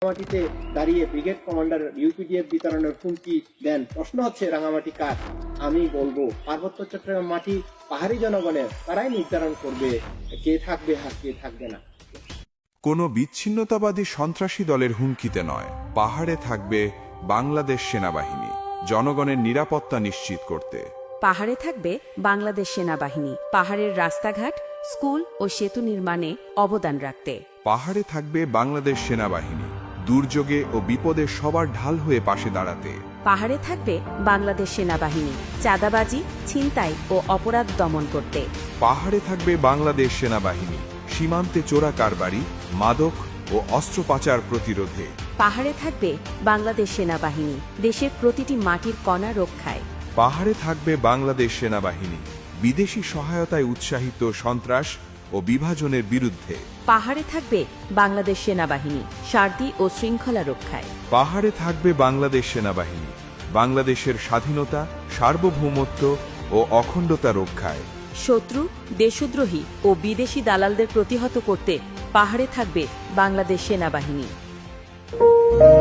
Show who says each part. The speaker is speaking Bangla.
Speaker 1: রাঙামাটিতে দাঁড়িয়ে ব্রিগেড কমান্ডার ইউপিডিএফ বিতরণের হুমকি দেন। প্রশ্ন হচ্ছে রাঙামাটি কার? আমি বলবো পার্বত্য চট্টগ্রাম মাটি পাহাড়ি জনগণের, তারাই নির্ধারণ করবে কে থাকবে আর কে থাকবে না।
Speaker 2: কোনো বিচ্ছিন্নতাবাদী সন্ত্রাসী দলের হুমকিতে নয়, পাহাড়ে থাকবে বাংলাদেশ সেনাবাহিনী জনগণের নিরাপত্তা নিশ্চিত করতে।
Speaker 3: পাহাড়ে থাকবে বাংলাদেশ সেনাবাহিনী পাহাড়ের রাস্তাঘাট, স্কুল ও সেতু নির্মাণে অবদান রাখতে।
Speaker 2: পাহাড়ে থাকবে বাংলাদেশ সেনাবাহিনী দুর্যোগে ও বিপদে সবার ঢাল হয়ে পাশে দাঁড়াতে।
Speaker 3: পাহাড়ে থাকবে বাংলাদেশ সেনাবাহিনী চাঁদাবাজি, ছিনতাই ও অপরাধ দমন করতে।
Speaker 2: পাহাড়ে থাকবে বাংলাদেশ সেনাবাহিনী সীমান্তে চোরা কারবারি, মাদক ও অস্ত্র পাচার প্রতিরোধে।
Speaker 3: পাহাড়ে থাকবে বাংলাদেশ সেনাবাহিনী দেশের প্রতিটি মাটির কণা রক্ষায়।
Speaker 2: পাহাড়ে থাকবে বাংলাদেশ সেনাবাহিনী বিদেশি সহায়তায় উৎসাহিত সন্ত্রাস ও বিভাজনের বিরুদ্ধে।
Speaker 3: পাহাড়ে থাকবে বাংলাদেশ সেনাবাহিনী শান্তি ও শৃঙ্খলা রক্ষায়।
Speaker 2: পাহাড়ে থাকবে বাংলাদেশ সেনাবাহিনী বাংলাদেশের স্বাধীনতা, সার্বভৌমত্ব ও অখণ্ডতা রক্ষায়।
Speaker 3: শত্রু, দেশদ্রোহী ও বিদেশি দালালদের প্রতিহত করতে পাহাড়ে থাকবে বাংলাদেশ সেনাবাহিনী।